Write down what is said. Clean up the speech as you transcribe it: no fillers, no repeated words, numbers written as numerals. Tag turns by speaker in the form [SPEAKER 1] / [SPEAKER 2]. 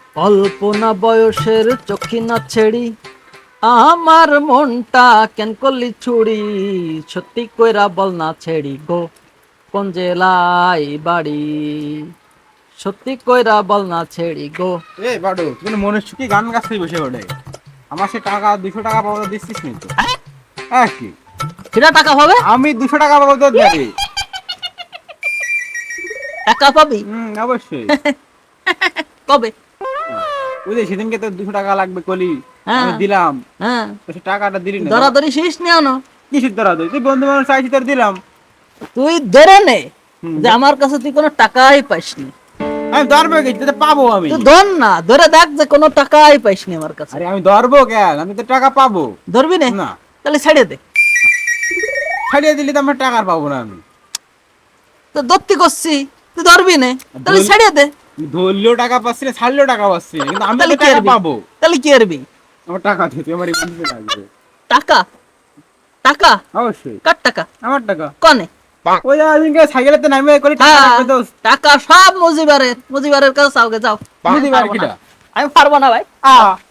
[SPEAKER 1] অল্পনা বয়সের চক্ষিনা ছেড়ি আমার মনটা কেন করলি চুরি, সত্যি কইরা বল না ছেড়ি গো কোন জেলায় বাড়ি, সত্যি কইরা বল না ছেড়ি গো।
[SPEAKER 2] এই বাডু তুমি মনে সুখী গান গাছতেই বসে ওঠে। আমার সে টাকা 200 টাকা পাবো তো দিচ্ছিস নি তো? হ্যাঁ কি
[SPEAKER 1] কিরা টাকা পাবে?
[SPEAKER 2] আমি 200 টাকা পাবো তো দেবে।
[SPEAKER 1] টাকা পাবি
[SPEAKER 2] অবশ্যই।
[SPEAKER 1] কবে?
[SPEAKER 2] ওই যে সেদিনকে তো 200 টাকা লাগবে কলি,
[SPEAKER 1] হ্যাঁ
[SPEAKER 2] আমি দিলাম।
[SPEAKER 1] হ্যাঁ,
[SPEAKER 2] তো সে টাকাটা দিলি না
[SPEAKER 1] দরাদরি শেষ নিও না।
[SPEAKER 2] কিসের ধরা তুই তুই বন্ধু মানুষ চাইছি তোর দিলাম।
[SPEAKER 1] তুই ধরে নে
[SPEAKER 2] হুম।
[SPEAKER 1] যে আমার কাছে তুই কোনো টাকাই পাইসনি।
[SPEAKER 2] আমি ধরবো কি তো পাবো আমি।
[SPEAKER 1] তুই ধর না, ধরে দেখ যে কোনো টাকাই পাইসনি আমার কাছে।
[SPEAKER 2] আরে আমি ধরবো কেন, আমি তো টাকা পাবো।
[SPEAKER 1] ধরবি না?
[SPEAKER 2] না
[SPEAKER 1] তাহলে ছেড়ে দে।
[SPEAKER 2] ছাড়িয়ে দিলে তো আমার টাকা আর পাবো না আমি।
[SPEAKER 1] তো দত্তি করছি, তুই ধরবি না তাহলে ছেড়ে দে।
[SPEAKER 2] ধরলেও টাকা পাচ্ছি না, ছাড়লেও টাকা পাচ্ছি না, কিন্তু আমি
[SPEAKER 1] তাহলে
[SPEAKER 2] তো
[SPEAKER 1] কি
[SPEAKER 2] টাকা
[SPEAKER 1] করবি?
[SPEAKER 2] পাবো।
[SPEAKER 1] তাহলে কি করবি?
[SPEAKER 2] আমার টাকা দিতে আমার বন্ধু লাগবে।
[SPEAKER 1] টাকা? টাকা?
[SPEAKER 2] অবশ্যই
[SPEAKER 1] কার টাকা?
[SPEAKER 2] আমার টাকা।
[SPEAKER 1] কনে?
[SPEAKER 2] ওই যে আজকে সাইকেলেতে নামে করি টাকা
[SPEAKER 1] হ্যাঁ,
[SPEAKER 2] লাগবে দোস্ত।
[SPEAKER 1] টাকা সব মুজিবারের, মুজিবারের কাছে যাও যাও।
[SPEAKER 2] বুঝিবার কিটা
[SPEAKER 1] আমি পারবো না ভাই।
[SPEAKER 2] আ